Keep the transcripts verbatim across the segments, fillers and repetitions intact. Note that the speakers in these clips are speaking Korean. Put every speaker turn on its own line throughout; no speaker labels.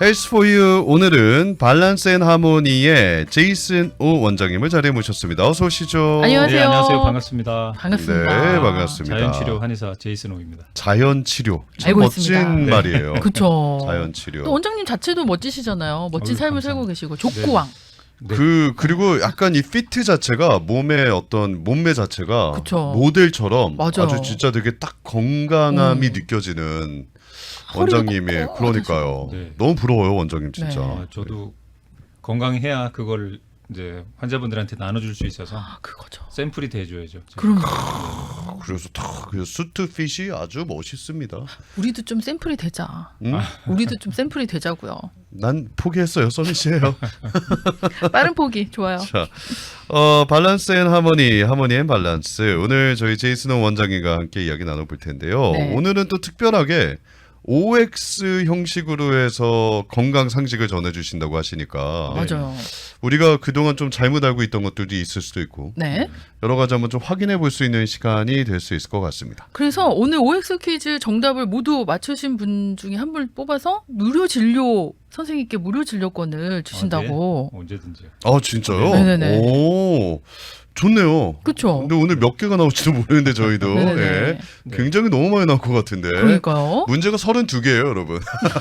헬스 포 유 오늘은 밸런스 앤 하모니의 제이슨 오 원장님을 자리에 모셨습니다. 어서 오시죠.
안녕하세요.
네, 안녕하세요. 반갑습니다.
반갑습니다.
네, 반갑습니다.
자연치료 한의사 제이슨 오입니다.
자연치료. 참
알고
멋진
있습니다. 네.
말이에요.
그렇죠.
자연치료.
또 원장님 자체도 멋지시잖아요. 멋진
아유,
삶을
감사합니다.
살고 계시고 족구왕.
네.
그 그리고 약간 이 피트 자체가 몸의 어떤 몸매 자체가
그쵸.
모델처럼
맞아요.
아주 진짜 되게 딱 건강함이
음.
느껴지는
허리도
원장님이
꼿꼿하시고.
그러니까요.
네.
너무 부러워요 원장님 진짜.
네.
아, 저도 건강해야 그걸 이제 환자분들한테 나눠줄 수 있어서
아, 그거죠.
샘플이 돼줘야죠.
그럼
그래서 탁 그 수트 핏이 아주 멋있습니다.
우리도 좀 샘플이 되자.
음?
우리도 좀 샘플이 되자고요.
난 포기했어요, 써니 씨예요.
빠른 포기 좋아요.
자, 어, 밸런스 앤 하모니, 하모니 앤 밸런스. 오늘 저희 제이슨 오 원장님과 함께 이야기 나눠볼 텐데요.
네.
오늘은 또 특별하게 오 엑스 형식으로 해서 건강 상식을 전해주신다고 하시니까
맞아요.
우리가 그동안 좀 잘못 알고 있던 것들도 있을 수도 있고
네.
여러 가지 한번 좀 확인해 볼 수 있는 시간이 될 수 있을 것 같습니다.
그래서 오늘 오 엑스 퀴즈 정답을 모두 맞추신 분 중에 한 분 뽑아서 무료 진료 선생님께 무료 진료권을 주신다고.
아, 네. 언제든지요.
아 진짜요?
네네네.
오, 좋네요.
그렇죠.
근데 오늘 몇 개가 나올지도 모르는데 저희도
네네네.
예,
네.
굉장히 너무 많이 나올 것 같은데
그러니까요.
문제가 서른두 개예요 여러분.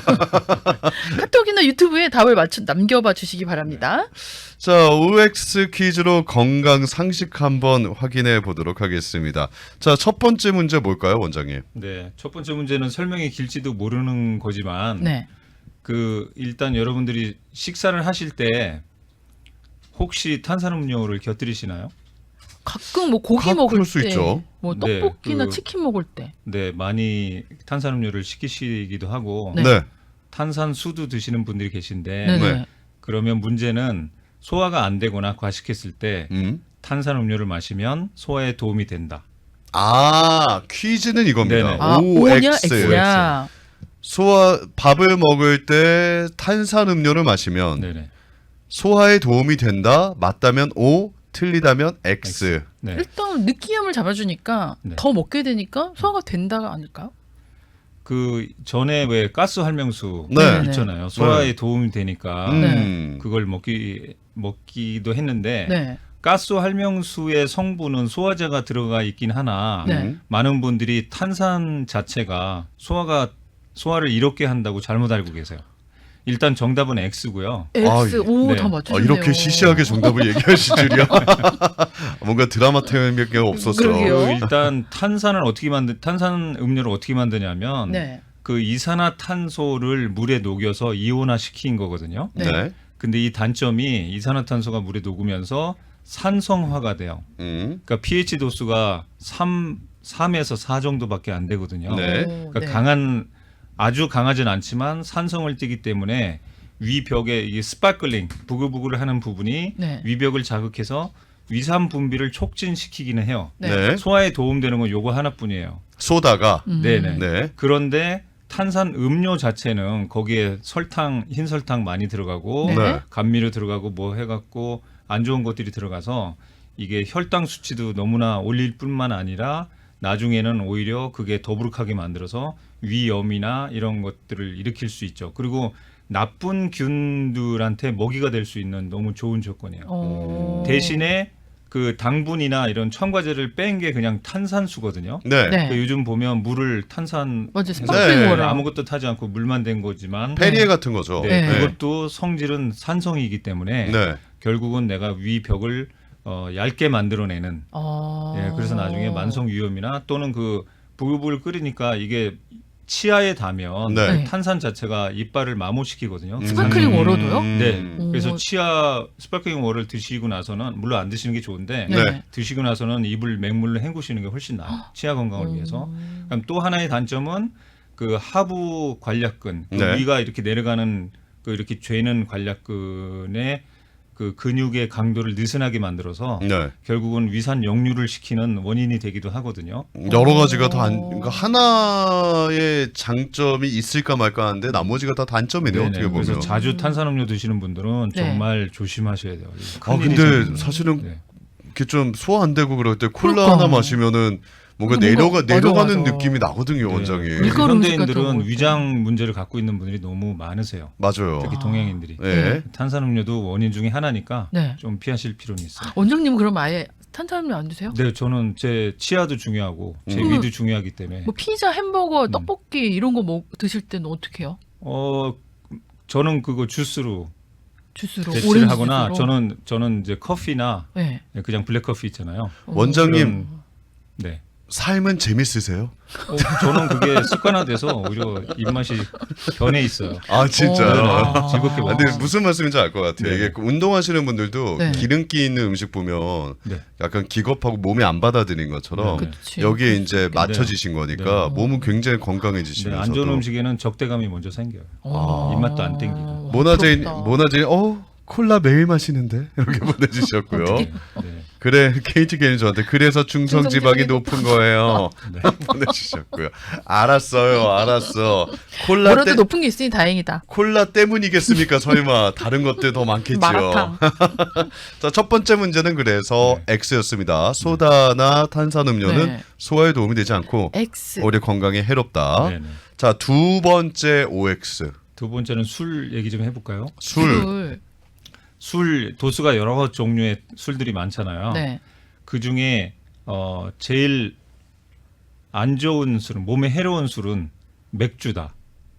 카톡이나 유튜브에 답을 맞춰 남겨봐 주시기 바랍니다.
자, 오 엑스 퀴즈로 건강 상식 한번 확인해 보도록 하겠습니다. 자, 첫 번째 문제 뭘까요 원장님?
네, 첫 번째 문제는 설명이 길지도 모르는 거지만
네.
그 일단 여러분들이 식사를 하실 때 혹시 탄산음료를 곁들이시나요?
가끔 뭐 고기
가끔
먹을
그럴 수
때,
있죠.
뭐
네,
떡볶이나
그-
치킨 먹을 때.
네, 많이 탄산음료를 시키시기도 하고
네.
네.
탄산수도 드시는 분들이 계신데
네네.
네.
그러면 문제는 소화가 안 되거나 과식했을 때
음.
탄산음료를 마시면 소화에 도움이 된다.
아, 퀴즈는 이겁니다.
네네.
아,
오
O냐
엑스.
X냐.
소화 밥을 먹을 때 탄산 음료를 마시면
네네.
소화에 도움이 된다. 맞다면 O, 틀리다면 X.
네.
일단 느끼함을 잡아주니까
네.
더 먹게 되니까 소화가 된다가 아닐까요?
그 전에 왜 가스 활명수
네.
있잖아요. 소화에 도움이 되니까
음.
그걸 먹기 먹기도 했는데
네.
가스 활명수의 성분은 소화제가 들어가 있긴 하나
네.
음.
많은 분들이 탄산 자체가 소화가 소화를 이롭게 한다고 잘못 알고 계세요. 일단 정답은 X고요.
X.
아,
오,
네.
다
아,
맞추셨네요.
이렇게 시시하게 정답을 얘기하실 줄이야. 뭔가 드라마 태우는 없었어.
그러게요.
그 일단 탄산을 어떻게 만드 탄산 음료를 어떻게 만드냐면
네.
그 이산화탄소를 물에 녹여서 이온화 시킨 거거든요.
네.
네.
근데 이 단점이 이산화탄소가 물에 녹으면서 산성화가 돼요.
음.
그러니까 pH 도수가 삼, 삼에서 사 정도밖에 안 되거든요.
네.
오,
그러니까
네.
강한 아주 강하진 않지만 산성을 띠기 때문에 위벽에 이게 스파클링 부글부글 하는 부분이
네.
위벽을 자극해서 위산 분비를 촉진시키기는 해요.
네.
네.
소화에 도움되는 건 요거 하나뿐이에요.
소다가.
음.
네네.
네.
그런데 탄산 음료 자체는 거기에 설탕, 흰 설탕 많이 들어가고
네.
네.
감미료 들어가고 뭐 해갖고 안 좋은 것들이 들어가서 이게 혈당 수치도 너무나 올릴 뿐만 아니라 나중에는 오히려 그게 더부룩하게 만들어서 위염이나 이런 것들을 일으킬 수 있죠. 그리고 나쁜 균들한테 먹이가 될 수 있는 너무 좋은 조건이에요.
어.
대신에 그 당분이나 이런 첨가제를 뺀 게 그냥 탄산수거든요.
네.
네.
그 요즘 보면 물을 탄산
맞아.
네.
스파클링 워터.
아무것도 타지 않고 물만 된 거지만
페리에 같은 거죠.
네,
네.
그것도 성질은 산성이기 때문에
네.
결국은 내가 위벽을 어, 얇게 만들어내는
어.
예, 그래서 나중에 만성 위염이나 또는 그 부글부글 끓이니까 이게 치아에 닿으면
네.
네.
탄산 자체가 이빨을 마모시키거든요.
음.
스파클링 워터도요?
네.
오.
그래서 치아 스파클링 워터를 드시고 나서는 물론 안 드시는 게 좋은데
네.
네.
드시고 나서는 입을 맹물로 헹구시는 게 훨씬 나아요. 치아 건강을
음.
위해서. 그럼 또 하나의 단점은 그 하부 관략근, 그
네.
위가 이렇게 내려가는 그 이렇게 죄는 관략근의 그 근육의 강도를 느슨하게 만들어서
네.
결국은 위산 역류를 시키는 원인이 되기도 하거든요.
여러 가지가 다 안,
어.
그러니까 하나의 장점이 있을까 말까 하는데 나머지가 다 단점이네요.
네네.
어떻게 보면.
그래서 자주 탄산음료 드시는 분들은
네.
정말 조심하셔야 돼요.
아
큰일이
근데
생깁니다.
사실은
네.
이렇게 좀 소화 안 되고 그럴 때 콜라
그러니까.
하나 마시면은 뭔가
뭔가-
내려가
맞아,
내려가는
맞아.
느낌이 나거든요,
네.
원장이.
그래서
밀가루 음식 같은 거
현대인들은
먹을
위장 문제를 갖고 있는 분들이 너무 많으세요.
맞아요.
특히
아.
동양인들이.
네.
탄산음료도 원인 중에 하나니까
네.
좀 피하실 필요는 있어요.
원장님은 그럼 아예 탄산음료 안 드세요?
네, 저는 제 치아도 중요하고 제
음.
위도 중요하기 때문에
뭐 피자, 햄버거,
음.
떡볶이 이런 거 먹, 드실 때는 어떻게 해요?
어 저는 그거 주스로
주스로
대체를
오렌지
하거나
주스로?
저는 저는 이제 커피나
네.
그냥 블랙 커피 있잖아요.
원장님
그런- 네.
삶은 재밌으세요?
어, 저는 그게 습관화돼서 오히려 입맛이 변해 있어요.
아 진짜요?
어.
즐겁게
아,
먹어요.
근데 무슨 말씀인지 알 것 같아요.
네.
이게 그 운동하시는 분들도
네.
기름기 있는 음식 보면
네.
약간 기겁하고 몸이 안 받아들인 것처럼
네.
그치.
여기에 이제
그럴 수
맞춰지신 거니까
네.
몸은 굉장히
네,
건강해지시면서도
안 좋은 음식에는 적대감이 먼저 생겨요.
어.
입맛도 안 땡기고.
모나제인
부럽다.
모나제인 어 콜라 매일 마시는데 이렇게 보내주셨고요.
어떡해.
네.
그래 케이티 게임 저한테 그래서 중성 지방이
중성지방이
높은 거예요.
네.
보내주셨고요. 알았어요, 알았어. 콜라
뭐라도
때
높은 게 있으니 다행이다.
콜라 때문이겠습니까? 설마 다른 것들 더 많겠지요.
마라탕.
자, 첫 번째 문제는 그래서 X였습니다. 소다나 탄산음료는
네.
소화에 도움이 되지 않고
X.
오히려 건강에 해롭다.
네, 네.
자, 두 번째 오엑스.
두 번째는 술 얘기 좀 해볼까요?
술.
술.
술 도수가 여러 종류의 술들이 많잖아요.
네.
그 중에 어, 제일 안 좋은 술은 몸에 해로운 술은 맥주다.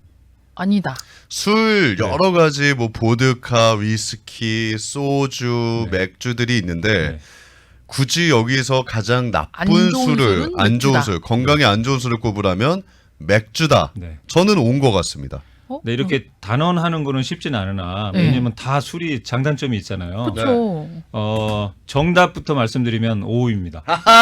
아니다.
술
네.
여러 가지 뭐 보드카, 위스키, 소주,
네.
맥주들이 있는데
네.
굳이 여기서 가장 나쁜
안 좋은
술을
술은
안 좋은
맥주다.
술, 건강에 안 좋은 술을 꼽으라면 맥주다.
네.
저는 온 것 같습니다.
어?
네, 이렇게 단언하는 거는 쉽진 않으나
네.
왜냐면 다 술이 장단점이 있잖아요.
그렇죠.
어, 정답부터 말씀드리면 오입니다.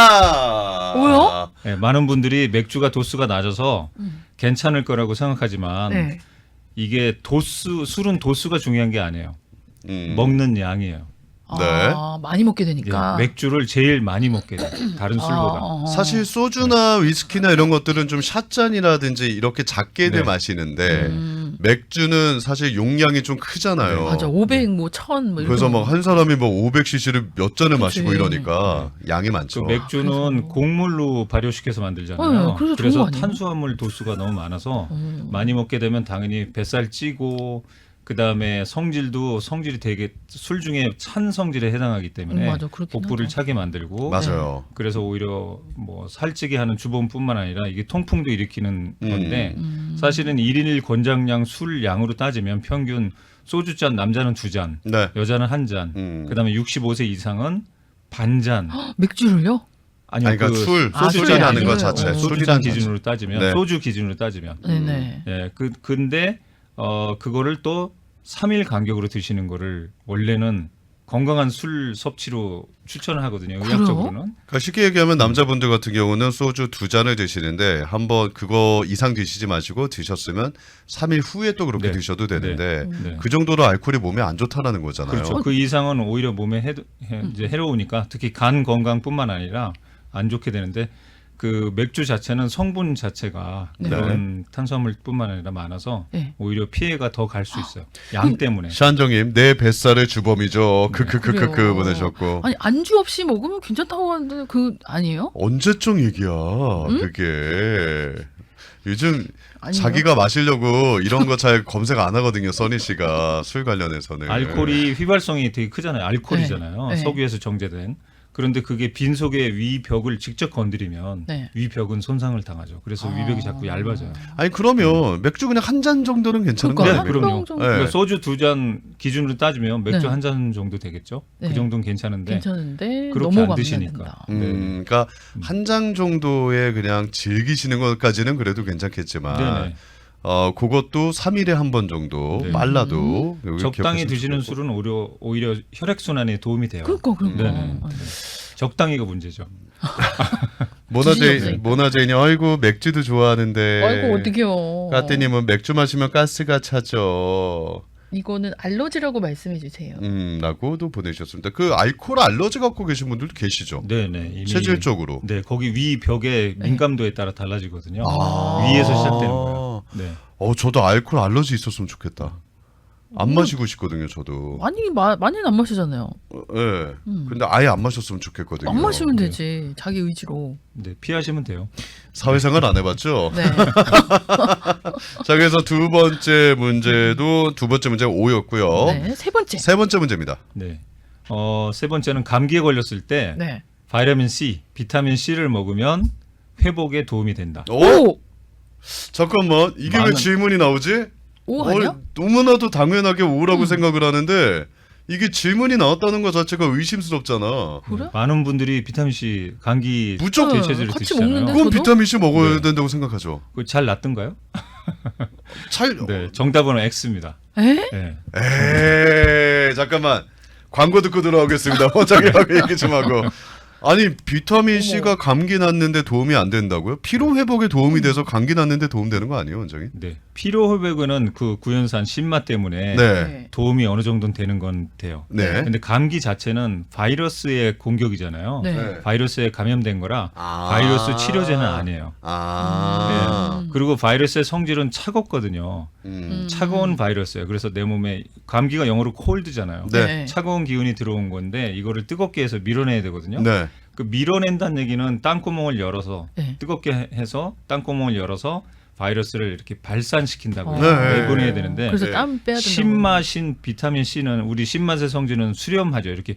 하하.
뭐요?
네, 많은 분들이 맥주가 도수가 낮아서
음.
괜찮을 거라고 생각하지만
네.
이게 도수 술은 도수가 중요한 게 아니에요.
음.
먹는 양이에요.
네.
아, 많이 먹게
예,
되니까.
맥주를 제일 많이 먹게 돼요. 다른 술보다.
아, 아.
사실 소주나 위스키나 이런 것들은 좀 샷잔이라든지 이렇게 작게들
네.
마시는데
음.
맥주는 사실 용량이 좀 크잖아요.
네,
맞아. 오백, 뭐 천, 뭐 이런
그래서
거.
막 한 사람이 뭐 오백 씨씨를 몇 잔을
그치.
마시고 이러니까 양이 많죠.
그 맥주는
그래서.
곡물로 발효시켜서 만들잖아요.
네, 그래서 좋은 거 아니에요?
탄수화물 도수가 너무 많아서
음.
많이 먹게 되면 당연히 뱃살 찌고 그 다음에 성질도 성질이 되게 술 중에 찬 성질에 해당하기 때문에
음, 맞아. 그렇긴
복부를
하죠.
차게 만들고
맞아요.
그래서 오히려 뭐 살찌게 하는 주범뿐만 아니라 이게 통풍도 일으키는
음.
건데
음.
사실은 일 인 일 권장량 술 양으로 따지면 평균 소주잔 남자는 두 잔,
네.
여자는 한 잔,
음.
그다음에 육십오 세 이상은 반잔.
맥주를요?
아니요,
아니, 그러니까
그
술,
아,
소주잔하는
술이
것
아니고.
자체.
어.
소주잔
술이란
기준으로 따지면
네.
소주 기준으로 따지면
네네.
예, 그 근데 어 그거를 또 삼 일 간격으로 드시는 거를 원래는 건강한 술 섭취로 추천을 하거든요.
그래요?
의학적으로는.
그러니까 쉽게 얘기하면 남자분들 같은 경우는 소주 두 잔을 드시는데 한번 그거 이상 드시지 마시고 드셨으면 삼 일 후에 또 그렇게
네.
드셔도 되는데
네.
그 정도로 알코올이 몸에 안 좋다라는 거잖아요.
그렇죠. 그 이상은 오히려 몸에 해, 해, 이제 해로우니까 특히 간 건강뿐만 아니라 안 좋게 되는데 그 맥주 자체는 성분 자체가
네.
그런 탄수화물뿐만 아니라 많아서
네.
오히려 피해가 더 갈 수 있어요. 양 때문에.
샤안정님 내 뱃살의 주범이죠. 크크크크크
그래요.
보내셨고
아니 안주 없이 먹으면 괜찮다고 하는데 그 아니에요?
언제적 얘기야 그게 요즘
아니에요?
자기가 마시려고 이런 거 잘 검색 안 하거든요. 써니 씨가 술 관련해서는
알코올이 휘발성이 되게 크잖아요. 알코올이잖아요.
네. 네.
석유에서 정제된. 그런데 그게 빈속의 위벽을 직접 건드리면
네.
위벽은 손상을 당하죠. 그래서
아.
위벽이 자꾸 얇아져요.
아니 그러면 맥주 그냥 한 잔 정도는 괜찮은 거
그러니까
아니에요?
네, 그럼요.
한 병 정도
네.
그러니까 소주 두 잔 기준으로 따지면 맥주
네.
한 잔 정도 되겠죠.
네.
그 정도는 괜찮은데
괜찮은데
그렇게
넘어가면
안 드시니까.
된다.
음,
네.
그러니까 한 장 정도의 그냥 즐기시는 것까지는 그래도 괜찮겠지만
네네.
어 그것도 삼 일에 한 번 정도
네.
빨라도 여기
적당히
기억하시면
드시는
좋겠고.
술은 오히려 오히려 혈액 순환에 도움이 돼요.
그러니까 그러니까.
네네. 적당히가 문제죠.
지진이
모나제인
없으니까.
모나제인이 아이고 맥주도 좋아하는데
아이고 어떡해요.
까띠님은 맥주 마시면 가스가 차죠.
이거는 알러지라고 말씀해 주세요.
음, 라고도 보내주셨습니다. 그 알코올 알러지 갖고 계신 분들도 계시죠.
네네. 이미
체질적으로.
네 거기 위 벽의
네.
민감도에 따라 달라지거든요.
아.
위에서 시작되는 거예요. 네.
어, 저도 알코올 알러지 있었으면 좋겠다. 안
음.
마시고 싶거든요, 저도.
많이 마, 많이는 안 마시잖아요.
어, 예.
음.
근데 아예 안 마셨으면 좋겠거든요.
안 마시면 되지. 자기 의지로.
네, 피하시면 돼요.
사회생활 안 해봤죠?
네.
자, 그래서 두 번째 문제도 두 번째 문제 오였고요.
네. 세 번째.
세 번째 문제입니다.
네. 어, 세 번째는 감기에 걸렸을 때
네.
바이타민 C, 비타민 C를 먹으면 회복에 도움이 된다.
오!
오!
잠깐만, 이게 왜
많은-
질문이 나오지?
오 아니야?
어, 너무나도 당연하게 오라고
음.
생각을 하는데 이게 질문이 나왔다는 것 자체가 의심스럽잖아.
그래?
많은 분들이 비타민 C 감기
무조건
대체제를
같이
드시잖아요.
먹는데?
그건
저도?
비타민 C 먹어야
네.
된다고 생각하죠.
그거 잘 낫던가요?
잘.
네, 정답은 X입니다.
에?
네.
에이, 잠깐만. 광고 듣고 들어오겠습니다. 원장님하고 얘기 좀 하고. 아니, 비타민 C가 감기 낫는데 도움이 안 된다고요? 피로 회복에 도움이 돼서 감기 낫는데 도움되는 거 아니에요, 원장님?
네. 피로 회복은 그 구연산 신맛 때문에
네.
도움이 어느 정도는 되는 건 돼요.
네.
근데 감기 자체는 바이러스의 공격이잖아요.
네.
네.
바이러스에 감염된 거라
아.
바이러스 치료제는 아니에요.
아.
음.
그리고 바이러스의 성질은 차갑거든요.
음.
차가운 바이러스예요. 그래서 내 몸에 감기가 영어로 콜드잖아요.
네.
차가운 기운이 들어온 건데 이거를 뜨겁게 해서 밀어내야 되거든요.
네.
그 밀어낸다는 얘기는 땅구멍을 열어서
네.
뜨겁게 해서 땅구멍을 열어서 바이러스를 이렇게 발산시킨다고
네.
내보내야 되는데
그래서
네.
땀 빼야 된다고.
신맛인 비타민 C는 우리 신맛의 성질은 수렴하죠. 이렇게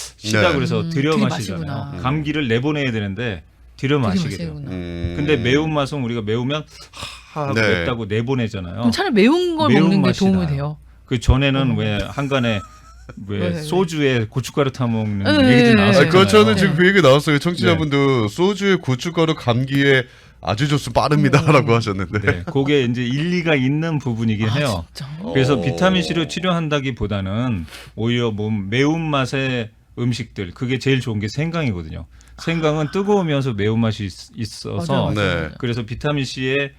쉬다
네.
그래서
음,
들여
되게
마시잖아요.
마시구나.
감기를 내보내야 되는데 들여
되게
마시게 돼요.
마시구나.
음.
근데 매운맛은 우리가 매우면 하하고
네.
맵다고 내보내잖아요.
그럼 차라리 매운 걸
매운
먹는 게
맛이
도움이
나요.
돼요.
그 전에는
음.
왜 한간에 왜
네, 네.
소주에 고춧가루 타 먹는
네,
얘기도
네,
아,
나왔잖아요.
그 저는
네.
지금 그 얘기 나왔어요. 청취자분도 소주에 고춧가루 감기에 아주 좋습 빠릅니다라고 하셨는데.
네, 그게 이제 일리가 있는 부분이긴 해요.
아, 진짜.
그래서
어.
비타민 C로 치료한다기보다는 오히려 몸 매운 맛의 음식들 그게 제일 좋은 게 생강이거든요. 생강은 뜨거우면서 매운 맛이 있- 있어서
맞아, 맞아,
네.
맞아.
그래서 비타민 C의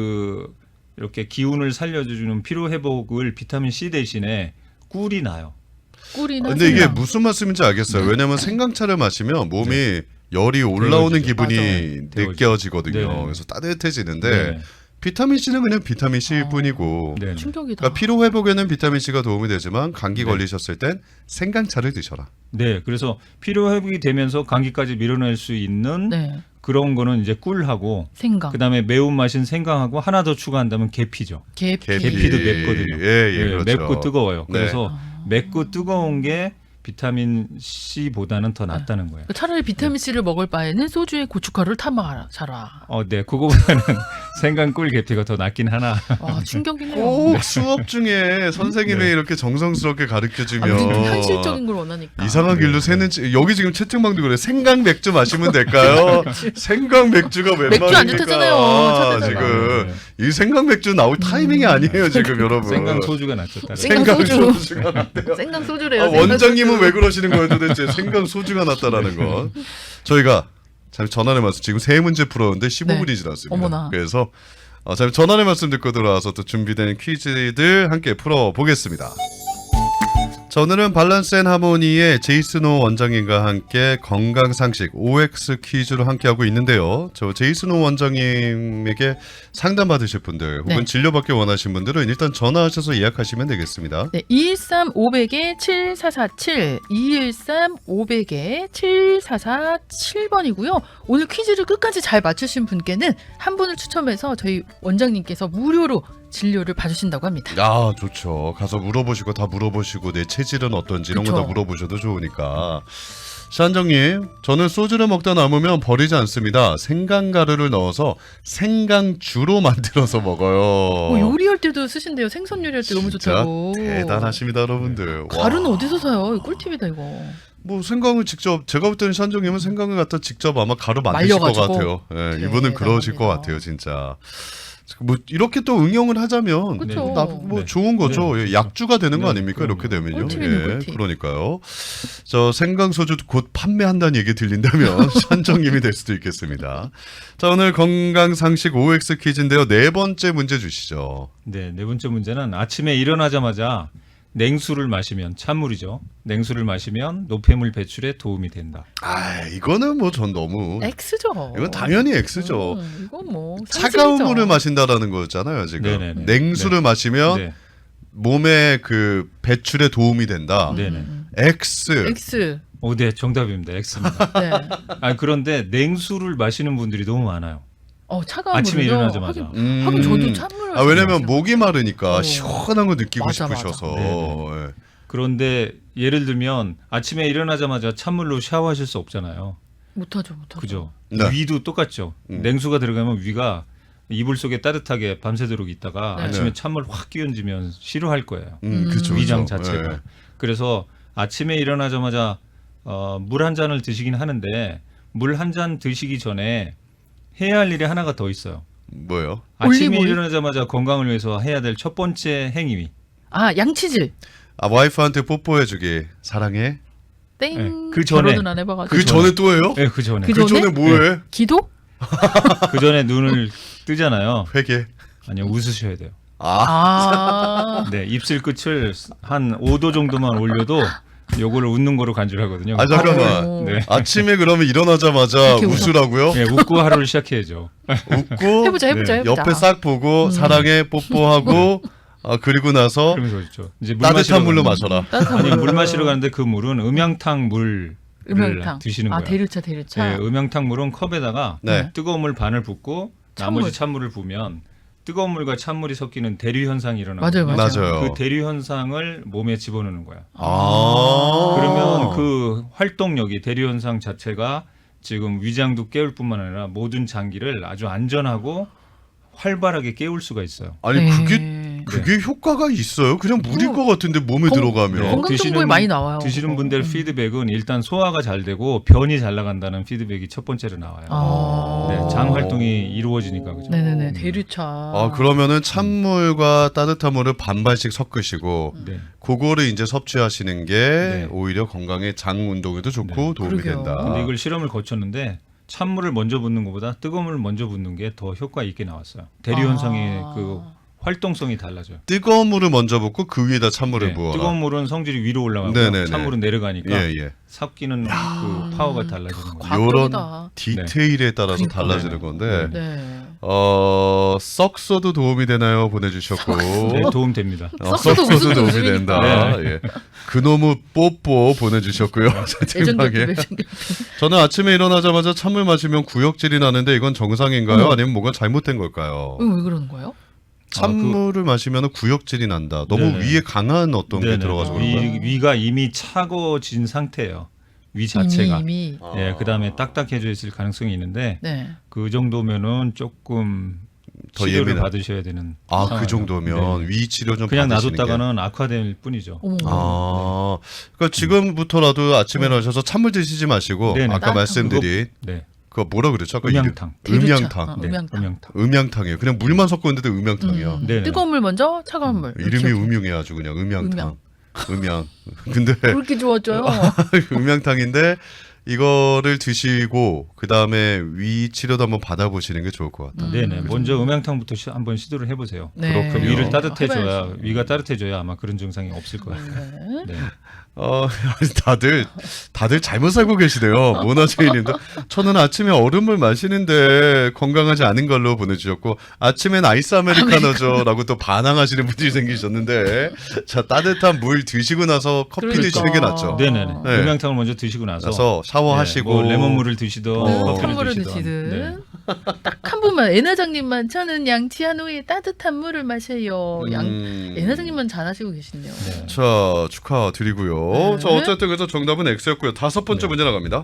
그 이렇게 기운을 살려주는 피로 회복을 비타민 C 대신에 꿀이 나요.
꿀이나
근데 이게
생강.
무슨 말씀인지 알겠어요. 왜냐면 생강차를 마시면 몸이 열이 올라오는
데워지죠.
기분이
맞아요.
느껴지거든요.
네네.
그래서 따뜻해지는데
네.
비타민 C는 그냥 비타민 C일
아.
뿐이고.
네.
충격이다.
그러니까 피로 회복에는 비타민 C가 도움이 되지만 감기
네.
걸리셨을 땐 생강차를 드셔라.
네, 그래서 피로 회복이 되면서 감기까지 밀어낼 수 있는
네.
그런 거는 이제 꿀하고
생강.
그다음에 매운 맛인 생강하고 하나 더 추가한다면 계피죠.
계피.
계피.
계피도 맵거든요.
예, 예,
네,
그렇죠.
맵고 뜨거워요.
네.
그래서
아.
맵고 뜨거운 게 비타민 C보다는 더 낫다는 거예요.
차라리 비타민 C를 먹을 바에는 소주에 고춧가루를 타 먹어라.
어, 네, 그거보다는 생강 꿀 계피가 더 낫긴 하나.
와 충격이네요.
꼭 수업 중에 선생님이
네.
이렇게 정성스럽게
아,
가르쳐주면
우리 좀 현실적인 걸 원하니까.
이상한 길로
네,
새는 치- 여기 지금 채팅방도 그래. 생강 맥주 마시면 될까요? 생강 맥주가 웬
맥주 안
말입니까?
좋다잖아요,
아,
차에다가.
지금 이 생강 맥주 나올 타이밍이 아니에요 지금 여러분.
생강 소주가 낫죠. 따로.
생강
생강
소주.
소주가 낫대요.
생강 소주래요.
아,
생강
원장님은
소주.
왜 그러시는 거예요 도대체? 생강 소주가 낫다라는 건. 저희가 참 전환의 말씀 지금 세 문제 풀었는데 십오 분이
네.
지났습니다.
어머나.
그래서 어, 참 전환의 말씀 듣고 들어와서 또 준비된 퀴즈들 함께 풀어보겠습니다. 자, 오늘은 밸런스 앤 하모니의 제이슨호 원장님과 함께 건강상식 오엑스 퀴즈로 함께하고 있는데요. 저 제이슨호 원장님에게 상담받으실 분들 혹은
네.
진료받기 원하시는 분들은 일단 전화하셔서 예약하시면 되겠습니다.
네, 이일삼 오백에 칠사사칠, 이일삼 오백에 칠사사칠 번이고요. 오늘 퀴즈를 끝까지 잘 맞추신 분께는 한 분을 추첨해서 저희 원장님께서 무료로 진료를 봐주신다고 합니다.
아, 좋죠. 가서 물어보시고 다 물어보시고 내 체질은 어떤지 이런 거 다
그쵸.
물어보셔도 좋으니까. 시한정님, 저는 소주를 먹다 남으면 버리지 않습니다. 생강가루를 넣어서 생강주로 만들어서 먹어요.
뭐 요리할 때도 쓰신대요. 생선 요리할 때 너무
진짜
좋다고.
대단하십니다, 여러분들. 와.
가루는 어디서 사요? 이거 꿀팁이다 이거.
뭐 생강을 직접 제가 볼 때는 시한정님은 생강을 갖다 직접 아마 가루 만드실 것
말려가지고.
같아요. 예, 이분은 그러실 것
대단합니다.
같아요, 진짜. 뭐 이렇게 또 응용을 하자면
그쵸.
나, 뭐
네.
좋은 거죠.
네,
예, 약주가 되는 거
네,
아닙니까?
그럼요.
이렇게 되면요.
꿀팁이네,
예,
꿀팁.
그러니까요. 저 생강소주 곧 판매한다는 얘기 들린다면 산정님이 될 수도 있겠습니다. 자, 오늘 건강상식 오엑스 퀴즈인데요. 네 번째 문제 주시죠.
네, 네 번째 문제는 아침에 일어나자마자 냉수를 마시면 찬물이죠. 냉수를 마시면 노폐물 배출에 도움이 된다.
아, 이거는 뭐 전 너무
X죠.
이건 당연히 X죠.
음, 이건 뭐
차가운
상식이죠.
물을 마신다라는 거잖아요, 지금.
네네네.
냉수를 마시면
네,
몸의 그 배출에 도움이 된다.
네네.
음.
X.
X.
오, 네, 정답입니다. X입니다.
네.
아, 그런데 냉수를 마시는 분들이 너무 많아요.
어 차가운
아침에
물을요?
일어나자마자.
하긴,
음.
하긴 저도 찬물을.
아, 왜냐면
마시는
목이 마르니까
어.
시원한 거 느끼고
맞아,
싶으셔서.
맞아.
예.
그런데 예를 들면 아침에 일어나자마자 찬물로 샤워하실 수 없잖아요.
못하죠, 못하죠.
그죠?
네.
위도 똑같죠.
음.
냉수가 들어가면 위가 이불 속에 따뜻하게 밤새도록 있다가
네.
아침에
네.
찬물 확 끼얹으면 싫어할 거예요.
음,
음.
그쵸,
위장
그쵸.
자체가.
예.
그래서 아침에 일어나자마자 어, 물 한 잔을 드시긴 하는데 물 한 잔 드시기 전에 해야 할 일이 하나가 더 있어요.
뭐요?
아침에
올리브오일?
일어나자마자 건강을 위해서 해야 될 첫 번째 행위.
아 양치질.
아, 와이프한테 뽀뽀해주기. 사랑해.
땡.
네, 그 전에.
결혼은 안 해봐가지고.
그 전에 또 해요?
네, 그 전에.
그
그
전에?
전에 뭐해?
기도?
그 전에 눈을 뜨잖아요.
회개.
아니요, 웃으셔야 돼요.
아,
아.
네, 입술 끝을 한 오 도 정도만 올려도 요거를 웃는 거로 간주하거든요.
아, 잠깐만.
오.
네.
아침에 그러면 일어나자마자
이렇게 웃어?
웃으라고요?
네, 웃고 하루를 시작해야죠.
웃고
해보자, 해보자,
네,
해보자.
옆에 싹 보고
음.
사랑해 뽀뽀하고 아, 그리고 나서
그러면서 그렇죠. 이제 물
따뜻한
마시러
물로
가는-
마셔라.
따뜻한
아니,
물로.
물 마시러 가는데 그 물은 음양탕 물을
음영탕.
드시는
아
거예요.
대류차, 대류차.
네, 음양탕 물은 컵에다가
네.
뜨거운 물 반을 붓고
찬물.
나머지 찬물을 부으면 뜨거운 물과 찬물이 섞이는 대류 현상이 일어나거든요.
맞아요, 맞아요.
맞아요.
그 대류 현상을 몸에 집어넣는 거야.
아.
그러면 그 활동력이 대류 현상 자체가 지금 위장도 깨울 뿐만 아니라 모든 장기를 아주 안전하고 활발하게 깨울 수가 있어요.
아니
네.
그게 그게 효과가 있어요? 그냥 물일
어.
것 같은데 몸에
건-
들어가면.
네.
건강 정보에
드시는-
많이 나와요.
드시는
그거.
분들
음.
피드백은 일단 소화가 잘 되고 변이 잘 나간다는 피드백이 첫 번째로 나와요.
아.
네, 장 활동이 이루어지니까 그죠.
네네네
음.
대류차.
아, 그러면은 찬물과 따뜻한 물을 반반씩 섞으시고
네.
그거를 이제 섭취하시는 게
네.
오히려 건강에 장 운동에도 좋고
네.
도움이
그러게요.
된다.
근데 이걸 실험을 거쳤는데 찬물을 먼저 붓는 것보다 뜨거운 물을 먼저 붓는 게 더 효과 있게 나왔어요. 대류 현상의
아.
그 활동성이 달라져요.
뜨거운 물을 먼저 붓고 그 위에다 찬물을
네,
부어라.
뜨거운 물은 성질이 위로 올라가고
네네네.
찬물은 내려가니까
예, 예.
섞이는 그 파워가 달라지는 거예요.
과학적이다.
요런 디테일에 따라서
그러니까.
달라지는 건데
네.
어, 썩소도 도움이 되나요? 보내주셨고
네, 도움 됩니다.
어,
썩소도
썩소도
무슨
도움이
웃음이니까.
된다. 예. 그놈의 뽀뽀 보내주셨고요.
애정
채팅방에.
결핍, 애정 결핍.
저는 아침에 일어나자마자 찬물 마시면 구역질이 나는데 이건 정상인가요?
어머.
아니면 뭐가 잘못된 걸까요?
왜 그러는 거예요?
찬물을 마시면 구역질이 난다. 너무
네네.
위에 강한 어떤 게
네네.
들어가서
그런가요?
그런가?
위, 위가 이미 차가워진 상태예요. 위 자체가.
이미, 이미.
아.
예, 그다음에 딱딱해져 있을 가능성이 있는데
네.
그 정도면은 조금
더
치료를
예민한.
받으셔야 되는
아, 그
상황이에요.
정도면
네.
위 치료 좀
그냥
받으시는 게.
놔뒀다가는 악화될 뿐이죠.
어머.
아, 그러니까 지금부터라도 아침에 일어나셔서 찬물 드시지 마시고
네네.
아까
따뜻한
말씀드린
네.
그거 뭐라 그랬죠? 아까
음양탕.
이름.
대류차.
음양탕.
어,
네,
음양탕.
음양탕.
음양탕이에요. 그냥 물만 섞었는데도 음양탕이야.
음.
네네.
뜨거운 물 먼저, 차가운 물.
이름이
이렇게.
음흉해 아주 그냥 음양탕.
음양.
음양. 근데
그렇게 좋아져요.
음양탕인데 이거를 드시고 그 다음에 위 치료도 한번 받아보시는 게 좋을 것 같아요.
음.
네네. 먼저 음양탕부터 시, 한번 시도를 해보세요.
네.
그
그렇군요.
위를 따뜻해져야
해봐야죠.
위가 따뜻해져야 아마 그런 증상이 없을 거예요.
네.
네.
어, 다들 다들 잘못 살고 계시네요. 모나제이님도 저는 아침에 얼음물 마시는데 건강하지 않은 걸로 보내주셨고 아침엔 아이스 아메리카노죠라고 또 반항하시는 분들이 생기셨는데 자 따뜻한 물 드시고 나서 커피
그러니까.
드시는 게 낫죠.
네네네.
네.
음양탕을 먼저 드시고 나서
그래서 샤워하시고
네, 뭐 레몬물을 드시든
어.
커피를
찬물을
드시든.
드시든
네.
딱 한 분만 애나장님만 저는 양치한 후에 따뜻한 물을 마셔요. 양
음.
애나장님만 잘하시고 계시네요.
네.
자 축하드리고요.
네.
자 어쨌든 그래서 정답은 X였고요. 다섯 번째
네.
문제 나갑니다.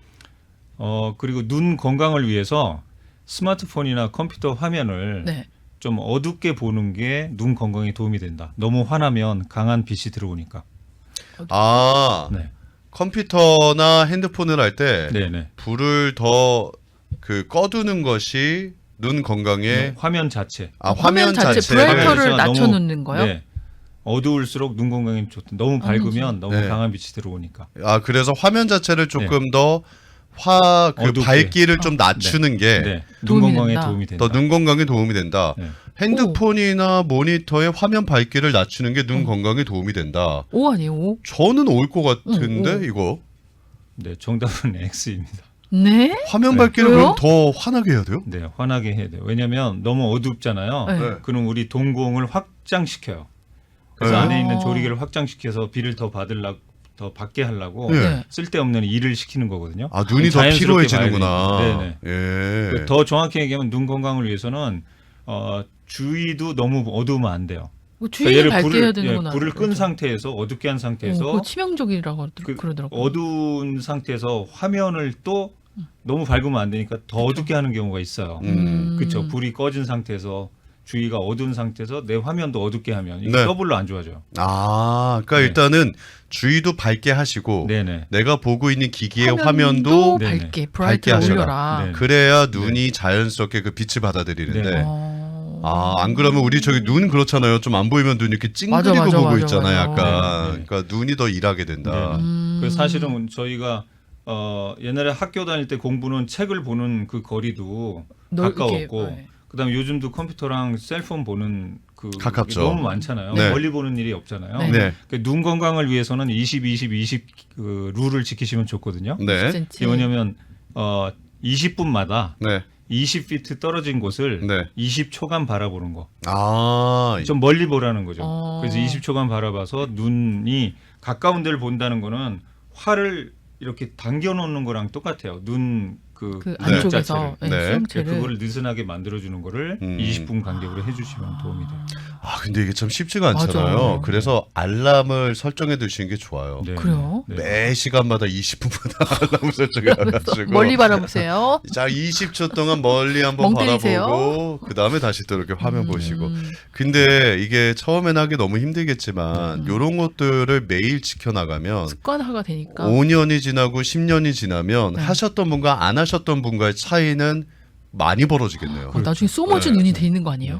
어 그리고 눈 건강을 위해서 스마트폰이나 컴퓨터 화면을
네.
좀 어둡게 보는 게 눈 건강에 도움이 된다. 너무 환하면 강한 빛이 들어오니까.
아
네.
컴퓨터나 핸드폰을 할 때
네네.
불을 더 그 꺼두는 것이 눈 건강에
화면 자체.
아 화면,
화면 자체
자체를
브라이터를
자체가 너무-
낮춰놓는 거요?
네. 어두울수록 눈 건강에 좋다. 너무 밝으면 너무
네.
강한 빛이 들어오니까.
아 그래서 화면 자체를 조금 더 화 그
어둡게.
밝기를 좀 낮추는 게 더 눈
네. 눈
도움이
건강에
된다.
도움이 된다.
건강에 도움이 된다.
네.
핸드폰이나 모니터의 화면 밝기를 낮추는 게 눈
음.
건강에 도움이 된다.
오 아니에요? 오?
저는 올 것 같은데
응, 오.
이거
네, 정답은 X입니다.
네?
화면
네.
밝기를
왜요?
그럼 더 환하게 해야 돼요?
네, 환하게 해야 돼요. 왜냐하면 너무 어둡잖아요.
네.
네.
그럼 우리 동공을 확장시켜요. 그래서
네.
안에 있는 조리개를 확장시켜서 비를 더 받으려고 더 받게 하려고
네.
네.
쓸데없는 일을 시키는 거거든요.
아 눈이 더
자연스럽게
피로해지는구나.
봐야 되니까.
예.
더 정확히 얘기하면 눈 건강을 위해서는 어, 주위도 너무 어두우면 안 돼요.
뭐 주위를 밝게
불을,
해야 되는구나.
예, 불을 끈 상태에서 어둡게 한 상태에서
어, 그거 치명적이라고
그
그러더라고요.
어두운 상태에서 화면을 또 너무 밝으면 안 되니까 더 어둡게 하는 경우가 있어요.
음.
그렇죠. 불이 꺼진 상태에서 주위가 어두운 상태에서 내 화면도 어둡게 하면 이게
네.
더블로 안 좋아져요.
아, 그러니까
네.
일단은 주위도 밝게 하시고
네네.
내가 보고 있는 기기의
화면도
화면도
네네.
밝게
밝게
브라이트를
하셔라.
올려라.
네.
그래야 눈이 자연스럽게 그 빛을 받아들이는데
네.
어...
아, 안 그러면 우리 저기 눈 그렇잖아요. 좀 안 보이면 눈 이렇게
맞아,
찡그리고
맞아,
보고
맞아,
있잖아요.
맞아.
약간.
네, 네.
그러니까 눈이 더 일하게 된다.
네.
음...
그 사실은 저희가 어, 옛날에 학교 다닐 때 공부는 책을 보는 그 거리도
넓게,
가까웠고
네.
그다음에 요즘도 컴퓨터랑 셀폰 보는 그
가깝죠.
너무 많잖아요.
네.
멀리 보는 일이 없잖아요.
네.
네.
그눈 건강을 위해서는 이십, 이십, 이십 그 룰을 지키시면 좋거든요.
네.
십 센티미터.
이게 뭐냐면 어, 이십 분마다
네.
이십 피트 떨어진 곳을
네.
이십 초간 바라보는 거.
아,
좀 멀리 보라는 거죠.
어.
그래서 이십 초간 바라봐서 눈이 가까운 데를 본다는 거는 활을 이렇게 당겨 놓는 거랑 똑같아요. 눈 그
그
네.
안쪽에서
네.
네.
그러니까
수용체를
그거를 느슨하게 만들어주는 거를
음.
이십 분 간격으로 해주시면 도움이 돼요.
아, 근데 이게 참 쉽지가 않잖아요.
맞아.
그래서 알람을 설정해 두시는 게 좋아요.
네.
그래요?
네.
매 시간마다 이십 분마다 알람 설정해 가지고
멀리 바라보세요.
자, 이십 초 동안 멀리 한번
멍 때리세요.
바라보고 그 다음에 다시 또 이렇게 화면
음.
보시고. 근데 이게 처음엔 하기 너무 힘들겠지만
음.
이런 것들을 매일 지켜나가면
습관화가 되니까.
오 년이 지나고 십 년이 지나면
네.
하셨던 분과 안 하셨던 분과의 차이는 많이 벌어지겠네요.
아, 나중에 소머즈
네.
눈이 돼 있는 거 아니에요?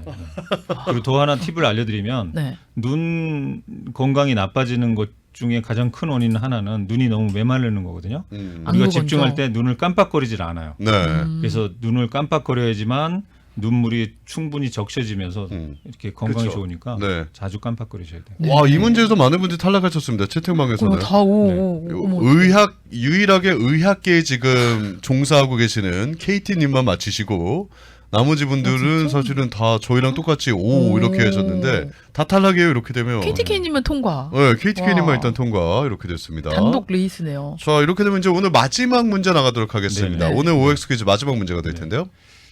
그리고 더 하나 팁을 알려드리면
네.
눈 건강이 나빠지는 것 중에 가장 큰 원인 하나는 눈이 너무 메마르는 거거든요.
음.
안구
우리가
건조.
집중할 때 눈을 깜빡거리질 않아요.
네.
음.
그래서 눈을 깜빡거려야지만 눈물이 충분히 적셔지면서
음.
이렇게 건강이
그쵸.
좋으니까
네.
자주 깜빡거리셔야 돼요.
네.
와, 이 문제에서 많은 분들이 탈락하셨습니다. 채팅방에서는.
어, 다 오.
네.
오,
요-
어머,
의학 유일하게 의학계에 지금 종사하고 계시는 케이티님만 맞히시고 나머지 분들은
아, 진짜?
사실은 다 저희랑 똑같이 오
오.
이렇게 하셨는데 다 탈락이에요. 이렇게 되면.
케이티케이님은 통과.
네, 케이티케이님만
와.
일단 통과 이렇게 됐습니다.
단독 레이스네요.
자, 이렇게 되면 이제 오늘 마지막 문제 나가도록 하겠습니다.
네.
오늘 오엑스 퀴즈 마지막 문제가 될
네.
텐데요.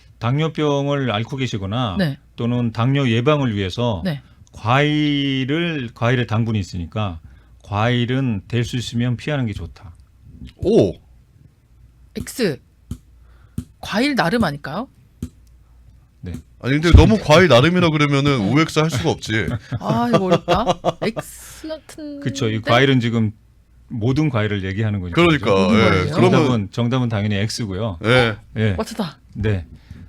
당뇨병을 앓고 계시거나
네.
또는 당뇨 예방을 위해서
네.
과일을 과일에 당분이 있으니까 과일은 될 수 있으면 피하는 게 좋다.
오.
X. 과일 나름 아닐까요?
아니 근데 너무 과일 나름이라 그러면은 오엑스 할 수가 없지.
아, 이거 어렵다. X 같은.
그렇죠. 이 과일은 지금 모든 과일을 얘기하는 거니까.
그러니까.
모든
예.
과일이요?
그러면
정답은 정답은 당연히 X고요.
예.
예.
맞췄다.
네.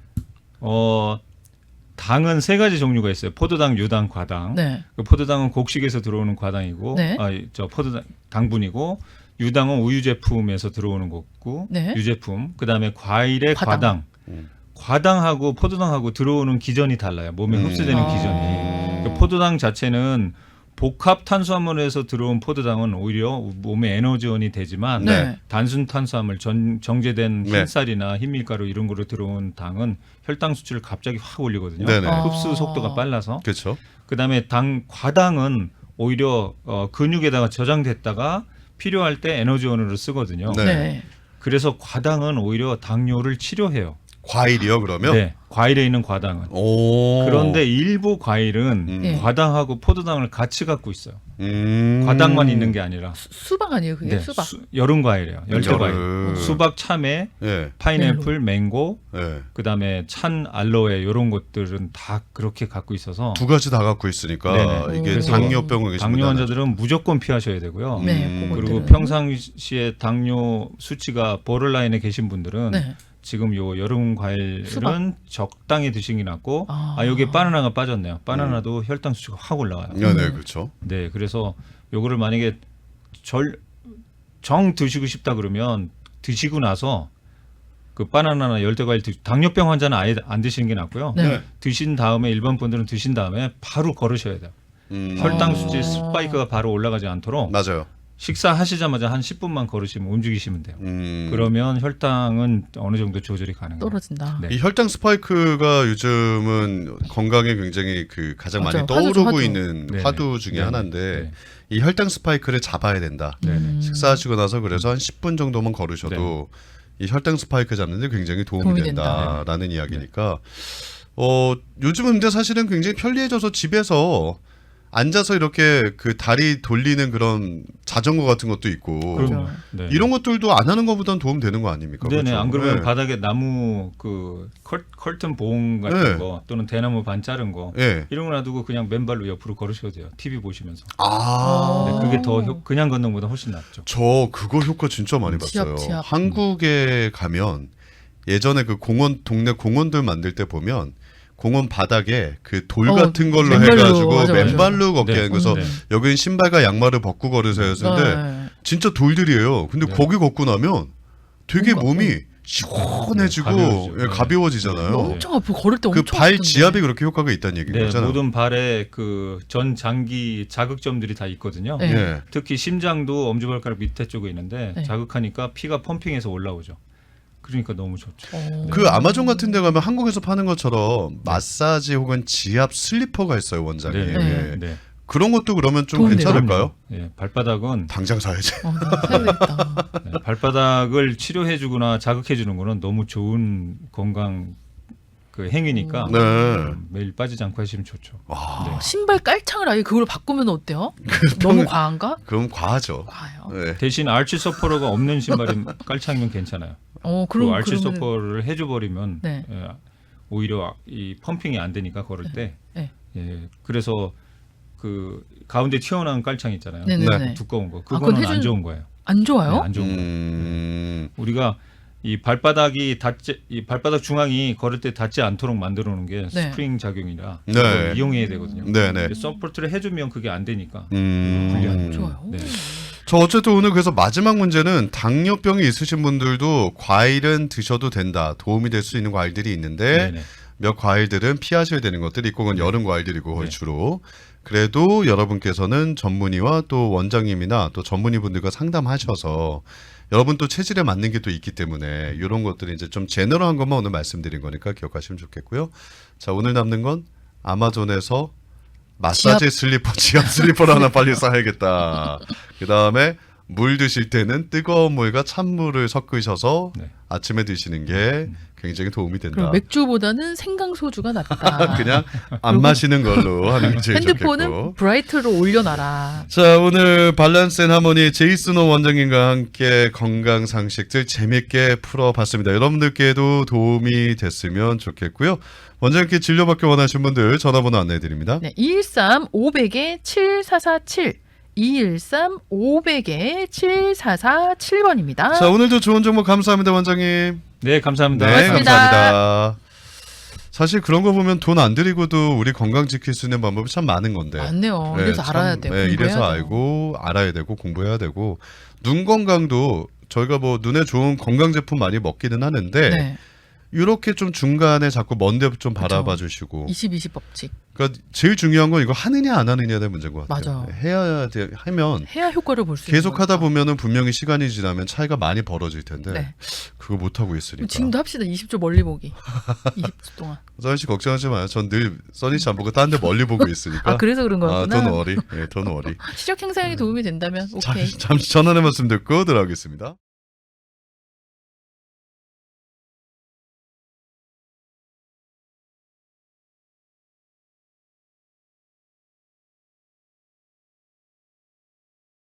어 당은 세 가지 종류가 있어요. 포도당, 유당, 과당.
네.
그 포도당은 곡식에서 들어오는 과당이고,
네.
아, 저 포도당 당분이고, 유당은 우유 제품에서 들어오는 거고,
네.
유제품. 그 다음에 과일의
과당.
과당.
음.
과당하고 포도당하고 들어오는 기전이 달라요. 몸에
음.
흡수되는
아.
기전이. 그 포도당 자체는 복합 탄수화물에서 들어온 포도당은 오히려 몸에 에너지원이 되지만
네.
단순 탄수화물, 전, 정제된
네.
흰쌀이나 흰밀가루 이런 거로 들어온 당은 혈당 수치를 갑자기 확 올리거든요.
네네.
아.
흡수 속도가 빨라서.
그렇죠.
그다음에 당 과당은 오히려 어, 근육에다가 저장됐다가 필요할 때 에너지원으로 쓰거든요.
네.
네.
그래서 과당은 오히려 당뇨를 치료해요.
과일이요 그러면?
네, 과일에 있는 과당은.
오.
그런데 일부 과일은
음.
네.
과당하고 포도당을 같이 갖고 있어요.
음.
과당만 있는 게 아니라.
수, 수박 아니에요, 그게?
네,
수박.
수- 여름 과일이에요. 열대 과일.
열을.
수박, 참외,
예.
파인애플, 맹고,
예.
그다음에 찬 알로에 이런 것들은 다 그렇게 갖고 있어서
두 가지 다 갖고 있으니까
네네.
이게
그래서
당뇨병을 계신
당뇨
분들은
환자들은 무조건 피하셔야 되고요.
음.
네.
그리고
그것들은.
평상시에 당뇨 수치가 보러라인에 계신 분들은
네.
지금 요 여름 과일은
수박.
적당히 드시는 게 낫고
아.
아, 여기에 바나나가 빠졌네요. 바나나도 혈당 수치가 확 올라와요.
네, 네, 그렇죠.
네, 그래서 요거를 만약에 절 정 드시고 싶다 그러면 드시고 나서 그 바나나나 열대 과일 드, 당뇨병 환자는 아예 안 드시는 게 낫고요.
네.
네.
드신 다음에 일반 분들은 드신 다음에 바로 걸으셔야 돼요.
음.
혈당
아.
수치 스파이크가 바로 올라가지 않도록
맞아요.
식사하시자마자 한 십 분만 걸으시면 움직이시면 돼요.
음.
그러면 혈당은 어느 정도 조절이 가능해요.
떨어진다.
네.
이 혈당 스파이크가 요즘은 건강에 굉장히 그 가장
맞아요.
많이 떠오르고
화두죠, 화두.
있는
네네.
화두 중에
네네.
하나인데
네.
이 혈당 스파이크를 잡아야 된다.
네네.
음.
식사하시고 나서 그래서 한 십 분 정도만 걸으셔도 이 혈당 스파이크 잡는 데 굉장히 도움이,
도움이
된다라는 이야기니까 어 요즘은 근데 사실은 굉장히 편리해져서 집에서 앉아서 이렇게 그 다리 돌리는 그런 자전거 같은 것도 있고
그럼요. 네.
이런 것들도 안 하는 것보다는 도움 되는 거 아닙니까?
네네.
그렇죠?
안 그러면
네.
바닥에 나무 그 컬, 컬튼 봉 같은
네.
거 또는 대나무 반 자른 거
예.
이런 거 놔두고 그냥 맨발로 옆으로 걸으셔도 돼요. 티비 보시면서.
아.
네, 그게 더 효- 그냥 걷는 것보다 훨씬 낫죠.
저 그거 효과 진짜 많이
지압,
봤어요.
지압.
한국에 가면 예전에 그 공원 동네 공원들 만들 때 보면 공원 바닥에 그 돌
어,
같은 걸로
맨발로,
해가지고
맞아, 맞아.
맨발로 걷게
네.
하는 그래서
네.
여기는 신발과 양말을 벗고 걸으세요 했는데
네.
진짜 돌들이에요. 근데
네.
거기 걷고 나면 되게
뭔가,
몸이 시원해지고
네, 가벼워지죠.
예,
네.
가벼워지잖아요.
엄청 아프고 걸을 때
그
엄청
발
아프던데.
지압이 그렇게 효과가 있다는 얘기인
네,
거잖아요.
모든 발에 그 전 장기 자극점들이 다 있거든요.
네.
예.
특히 심장도 엄지발가락 밑에 쪽에 있는데
네.
자극하니까 피가 펌핑해서 올라오죠. 그러니까 너무 좋죠.
어.
그 아마존 같은 데 가면 한국에서 파는 것처럼 마사지 혹은 지압 슬리퍼가 있어요, 원장님.
네,
네.
네.
그런 것도 그러면 좀
도움돼요?
괜찮을까요?
예, 발바닥은
당장 사야지.
어, 나 사야 되겠다.
네, 발바닥을 치료해주거나 자극해주는 거는 너무 좋은 건강 그 행위니까
네.
음, 매일 빠지지 않고 하시면 좋죠.
와,
네.
신발 깔창을 아예 그걸로 바꾸면 어때요? 너무 과한가?
그럼 과하죠.
과해요.
네.
대신 알치 서퍼러가 없는 신발이 깔창이면 괜찮아요.
어,
그
그럼
알치
그러면은-
서퍼를 해줘버리면
네.
예, 오히려 이 펌핑이 안 되니까 걸을 때
네.
예, 그래서 그 가운데 튀어나온 깔창 있잖아요.
네네네.
두꺼운 거
그건
그거는
해준-
안 좋은 거예요.
안 좋아요?
네, 안 좋은 거.
음,
우리가 이 발바닥이 닿지 이 발바닥 중앙이 걸을 때 닿지 않도록 만들어 놓은 게
네.
스프링 작용이라
네.
그걸 이용해야 되거든요.
네네.
근데 서포트를 해주면 그게 안 되니까.
음,
불리한
좋아요.
네.
저 어쨌든 오늘 그래서 마지막 문제는 당뇨병이 있으신 분들도 과일은 드셔도 된다. 도움이 될 수 있는 과일들이 있는데
네네.
몇 과일들은 피하셔야 되는 것들이 있고 그건 여름 과일들이고 거의
네.
주로. 그래도 여러분께서는 전문의와 또 원장님이나 또 전문의 분들과 상담하셔서 여러분 또 체질에 맞는 게 또 있기 때문에 이런 것들이 이제 좀 제너럴한 것만 오늘 말씀드린 거니까 기억하시면 좋겠고요. 자, 오늘 남는 건 아마존에서 마사지 슬리퍼, 지압 슬리퍼를 하나 빨리 사야겠다. 그 다음에 물 드실 때는 뜨거운 물과 찬물을 섞으셔서
네.
아침에 드시는 게 굉장히 도움이 된다.
그럼 맥주보다는 생강 소주가 낫다.
그냥 안 마시는 걸로 하는 게 제일
핸드폰은
좋겠고.
브라이트로 올려놔라.
자, 오늘 밸런스 앤 하모니 제이슨호 원장님과 함께 건강 상식들 재밌게 풀어봤습니다. 여러분들께도 도움이 됐으면 좋겠고요. 원장님께 진료받기 원하시는 분들 전화번호 안내해드립니다.
네, 이일삼 오백에 칠사사칠 이일삼 오백에 칠사사칠 번입니다.
자, 오늘도 좋은 정보 감사합니다, 원장님.
네, 감사합니다.
네,
고맙습니다.
감사합니다. 사실 그런 거 보면 돈 안 들이고도 우리 건강 지킬 수 있는 방법이 참 많은 건데.
맞네요.
네,
이래서
참,
알아야 돼요.
네, 이래서
공부해야 돼요.
알고 알아야 되고 공부해야 되고 눈 건강도 저희가 뭐 눈에 좋은 건강 제품 많이 먹기는 하는데
네.
이렇게 좀 중간에 자꾸 먼데 좀
그쵸.
바라봐 주시고.
이십 이십 법칙.
그러니까 제일 중요한 건 이거 하느냐 안 하느냐에 대한 문제인 것 같아요.
맞아.
해야 돼 하면
해야 효과를 볼 수 있는
계속 하다
거니까.
보면은 분명히 시간이 지나면 차이가 많이 벌어질 텐데
네.
그거 못 하고 있으니까.
지금도 합시다. 이십 초 멀리 보기. 이십 초 동안.
써니 씨 걱정하지 마요. 전 늘 써니 씨 안 보고 딴 데 멀리 보고 있으니까.
아, 그래서 그런
아,
거였구나.
돈 워리. 예, 돈 워리.
시력 향상에 도움이 된다면 오케이.
잠시 전환의 말씀 듣고 들어가겠습니다.